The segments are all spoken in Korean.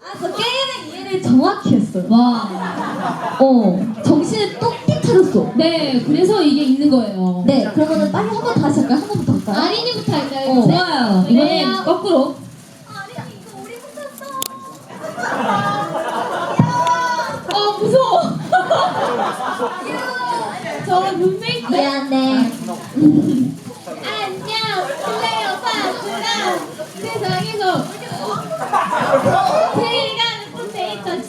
저 게임의 이해를 정확히 했어요. 와. 정신을 똑띠 차렸어. 네, 그래서 이게 있는 거예요. 네, 그러면은 빨리 한 번 다시 할까요? 한 번부터 할까요? 아린이부터 할까요? 좋아요. 네. 이번엔 거꾸로. 무서워. 저 눈빛. 미안해. 안녕, 클레오파트라. 세상에서 제일 가는 포테이토 칩.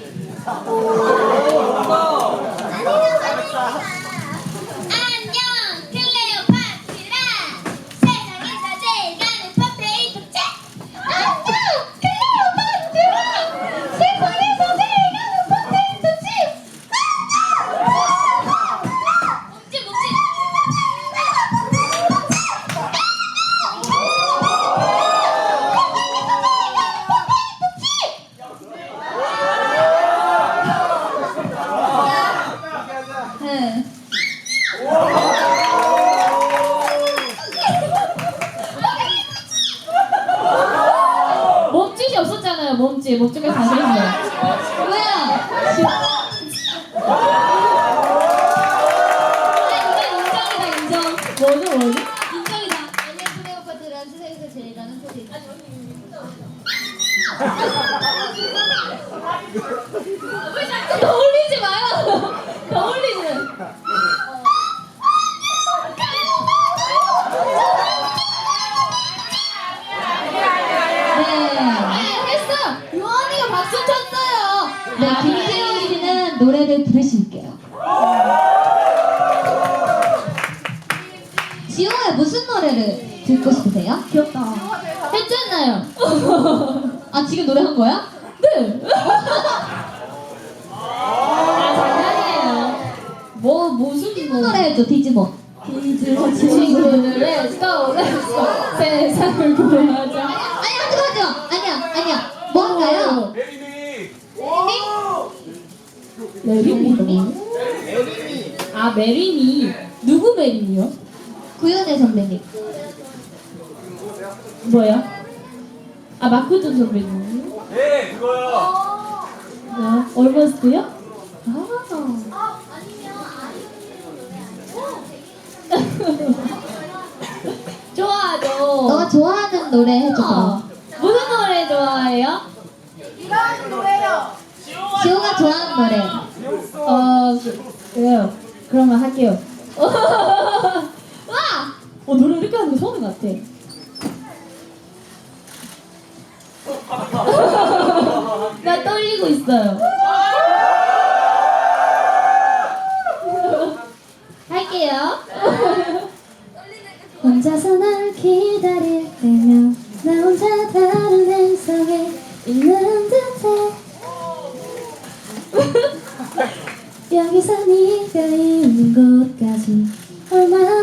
안녕, 클레오파트라. 세상에서 제일 가는 포테이토 칩. 안녕, 클레오파트라. 세상에서 제일 가는 포테이토 칩. 몸짓 몸짓. 네. 몸짓이 없었잖아요. 몸짓을 다시 했어요. 뭐야? 인정. 뭐죠? 인정이다. 안녕 클레오파트라 세상에서 제일 가는 포테이토. 왜 자꾸 더 올리지 마요. 더 올리지. 했어. 요한이가 박수 쳤어요. 네, 김태훈 씨는 노래를 부르실게요. 지호야 무슨 노래를 듣고 싶으세요? 귀엽다. 했잖아요. 아 지금 노래 한 거야? 네. 장난이에요. 무슨 디즈몬 노래 해줘 디즈몬. 디즈몬 친구들 Let's go Let's go 세상을 구하자. 아니 하지 마. 아니야. 뭐 할까요? 메리미? 아 메리미. 누구 메리미요? 구현애 선배님. 뭐야? 아 마크존 선배님? 네, 그거요. 뭐야? 얼버스트요? 아. 좋아하죠. 너가 좋아하는 노래 해줘. 무슨 노래 좋아해요? 지호가 좋아하는 노래. 그래요. 그러면 할게요. 와! 노래 이렇게 하는 거 처음인 것 같아. 나 떨리고 있어요. 할게요. 혼자서 널 기다릴 때면 나 혼자 다른 행성에 있는 듯해. 여기서 네가 있는 곳까지 얼마나